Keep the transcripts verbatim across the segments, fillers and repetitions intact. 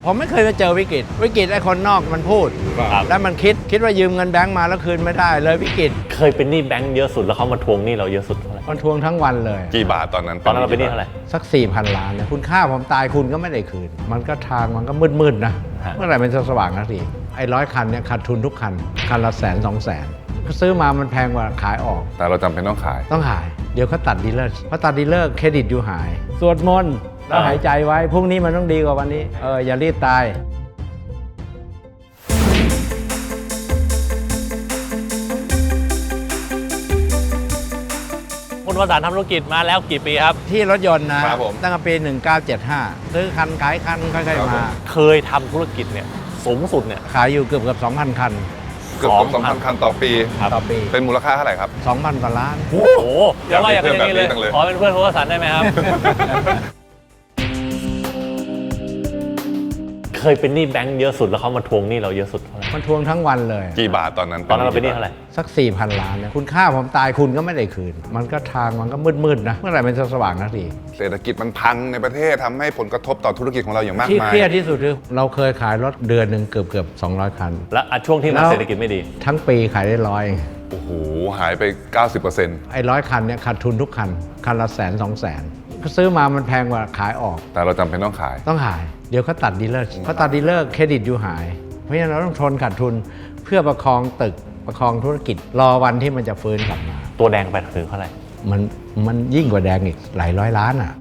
ผมไม่เคยมาเจอวิกฤตวิกฤตไอ้คนนอกมันพูดแล้วมันคิดคิดว่ายืมเงินแบงก์มาแล้วคืนไม่ได้เลยวิกฤตเคยเป็นหนี้แบงก์เยอะสุดแล้วเขามาทวงหนี้เราเยอะสุดเท่าไหร่มันทวงทั้งวันเลยกี่บาทตอนนั้นตอนนั้นเราเป็นหนี้เท่าไหร่สัก สี่พัน ล้านนะคุณค่าผมตายคุณก็ไม่ได้คืนมันก็ทางมันก็มืดๆนะเมื่อไหร่มันจะสว่างสักทีไอ้ร้อยคันเนี่ยขาดทุนทุกคันคันละแสนสองแสนซื้อมามันแพงกว่าขายออกแต่เราจำเป็นต้องขายต้องขายเดี๋ยวเขาตัดดีลเลอร์พอตัดดีลเลอร์เครดิตอยู่หายสวดมนต์แล้วหายใจไว้พรุ่งนี้มันต้องดีกว่าวันนี้เอออย่ารีบตายคุณวสันต์ทำธุรกิจมาแล้วกี่ปีครับที่รถยนต์นะตั้งแต่ปีหนึ่งเก้าเจ็ดห้าซื้อคันขายคันค่อยๆมาเคยทำธุรกิจเนี่ยสูงสุดเนี่ยขายอยู่เกือบเกือบสองพันคันเกือบสองพันคันต่อปีต่อปีเป็นมูลค่าเท่าไหร่ครับสองพันกว่าล้านโอ้โหอย่าว่าอย่างนี้เลยขอเป็นเพื่อนคุณวสันต์ได้ไหมครับเคยเป็นหนี้แบงก์เยอะสุดแล้วเขามาทวงหนี้เราเยอะสุดเท่าไหร่มันทวงทั้งวันเลยกี่บาทตอนนั้นตอนนั้นเราเป็นหนี้เท่าไหร่สัก สี่พัน ล้านเนี่ยคุณค่าผมตายคุณก็ไม่ได้คืนมันก็ทางมันก็มืดๆนะเมื่อไหร่มันจะสว่างสักทีเศรษฐกิจมันพังในประเทศทำให้ผลกระทบต่อธุรกิจของเราอย่างมากมายที่เครียดที่สุดคือเราเคยขายรถเดือนหนึ่งเกือบเกือบสองร้อยคันและช่วงที่มันเศรษฐกิจไม่ดีทั้งปีขายได้ร้อยโอ้โหหายไป เก้าสิบเปอร์เซ็นต์ไอ้ร้อยคันเนี่ยขาดทุนทุกคันคันละแสนสองแสนซื้อมามันแพงกว่าขายออกแต่เราจำเป็นต้องขายต้องขายเดี๋ยวเขาตัดดีลเลอร์เขาตัดดีลเลอร์เครดิตอยู่หายเพราะฉะนั้นเราต้องทนขาดทุนเพื่อประคองตึกประคองธุรกิจรอวันที่มันจะฟื้นกลับมาตัวแดงไปถึงเท่าไหร่มันมันยิ่งกว่าแดงอีกหลายร้อยล้านอ่ะ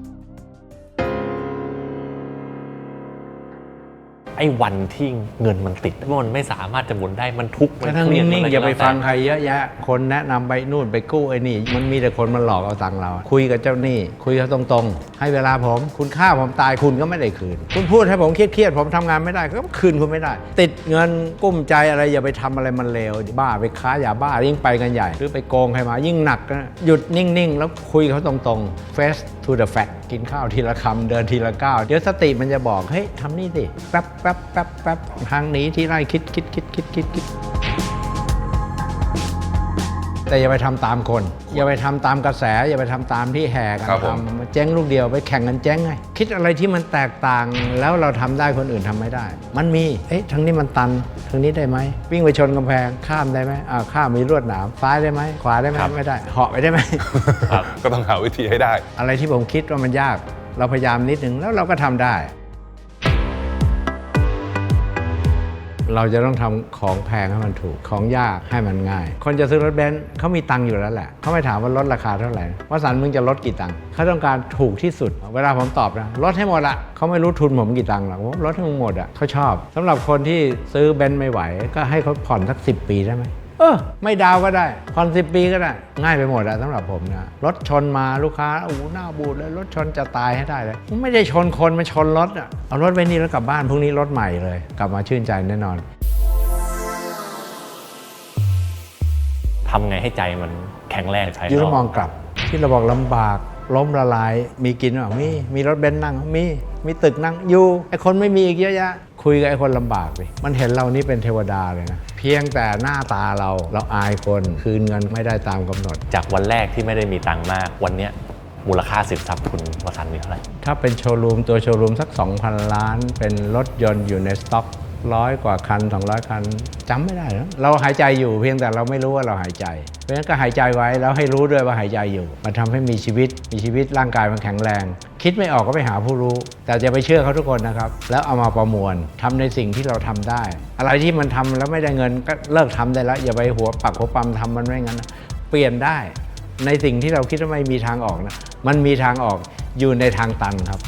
ไอ้วันที่เงินมันติดมันไม่สามารถจะหมุนได้มันทุกข์มันเครียดนิ่งๆอย่าไปฟังใครเยอะแยะคนแนะนำไปนู่นไปกู้ไอ้นี่มันมีแต่คนมาหลอกเอาตังค์เราคุยกับเจ้าหนี้คุยเขาตรงๆให้เวลาผมคุณค่าผมตายคุณก็ไม่ได้คืนคุณพูดให้ผมเครียดๆผมทำงานไม่ได้ก็คืนคุณไม่ได้ติดเงินกุ้มใจอะไรอย่าไปทำอะไรมันเลวบ้าไปค้ายาบ้ายิ่งไปกันใหญ่หรือไปโกงใครมายิ่งหนักนะหยุดนิ่งๆแล้วคุยเขาตรงๆ face to the fact กินข้าวทีละคำเดินทีละก้าวเดี๋ยวสติมันจะบอกเฮ้ยทำนี่สิแป๊บแป๊บแป๊บแป๊บทางนี้ที่ไร่คิดคิดคิดคิดคิดคิดแต่อย่าไปทำตามคนอย่าไปทำตามกระแสอย่าไปทำตามที่แห่กันทำมาเจ๊งลูกเดียวไปแข่งกันเจ๊งไงคิดอะไรที่มันแตกต่างแล้วเราทำได้คนอื่นทำไม่ได้มันมีเอ๊ะทางนี้มันตันทางนี้ได้ไหมวิ่งไปชนกำแพงข้ามได้ไหมอ่าข้ามมีลวดหนามซ้ายได้ไหมขวาได้ไหมไม่ได้เหาะไปได้ไหมก็ต้องหาวิธีให้ได้อะไรที่ผมคิดว่ามันยากเราพยายามนิดนึงแล้วเราก็ทำได้เราจะต้องทำของแพงให้มันถูกของยากให้มันง่ายคนจะซื้อรถเบนซ์เขามีตังค์อยู่แล้วแหละเขาไม่ถามว่าลดราคาเท่าไหร่ว่าสันมึงจะลดกี่ตังค์เขาต้องการถูกที่สุดเวลาผมตอบนะลดให้หมดละเขาไม่รู้ทุนผมกี่ตังค์หรอกผมลดให้มึงหมดอ่ะเขาชอบสำหรับคนที่ซื้อเบนซ์ไม่ไหวก็ให้เขาผ่อนสักสิบปีได้ไหมเออไม่ดาวก็ได้ผ่อนสิบปีก็ได้ง่ายไปหมดอะสำหรับผมนะรถชนมาลูกค้าโอ้โหหน้าบูดเลยรถชนจะตายให้ได้เลยไม่ได้ชนคนมาชนรถอะเอารถไปนี่แล้วกลับบ้านพรุ่งนี้รถใหม่เลยกลับมาชื่นใจแน่นอนทำไงให้ใจมันแข็งแรงใช่ไหมยืนมองกลับที่เราบอกลำบากล้มละลายมีกินหรือเปล่ามีมีรถเบนซ์นั่งมีมีตึกนั่งอยู่ไอคนไม่มีอีกเยอะแยะคุยกับไอคนลำบากไปมันเห็นเรานี่เป็นเทวดาเลยนะเพียงแต่หน้าตาเราเราอายคนคืนเงินไม่ได้ตามกำหนดจากวันแรกที่ไม่ได้มีตังค์มากวันนี้มูลค่าสินทรัพย์คุณวสันต์มีเท่าไหร่ถ้าเป็นโชว์รูมตัวโชว์รูมสัก สองพัน ล้านเป็นรถยนต์อยู่ในสต็อกร้อยกว่าคันสองร้อยคันจำไม่ได้แล้วเราหายใจอยู่เพียงแต่เราไม่รู้ว่าเราหายใจเพราะฉะนั้นก็หายใจไว้แล้วให้รู้ด้วยว่าหายใจอยู่มันทำให้มีชีวิตมีชีวิตร่างกายมันแข็งแรงคิดไม่ออกก็ไปหาผู้รู้แต่จะไปเชื่อเขาทุกคนนะครับแล้วเอามาประมวลทำในสิ่งที่เราทำได้อะไรที่มันทำแล้วไม่ได้เงินก็เลิกทำได้แล้วอย่าไปหัวปักหัวปั๊มทำมันไม่งั้นเปลี่ยนได้ในสิ่งที่เราคิดว่าไม่มีทางออกนะมันมีทางออกอยู่ในทางตันครับ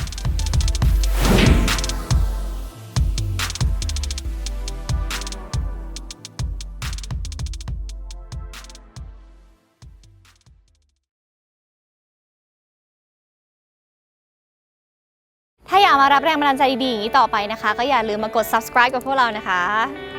ถ้าอยากมารับแรงบันดาลใจดีๆอย่างนี้ต่อไปนะคะก็อย่าลืมมากด ซับสไครบ์ กับพวกเรานะคะ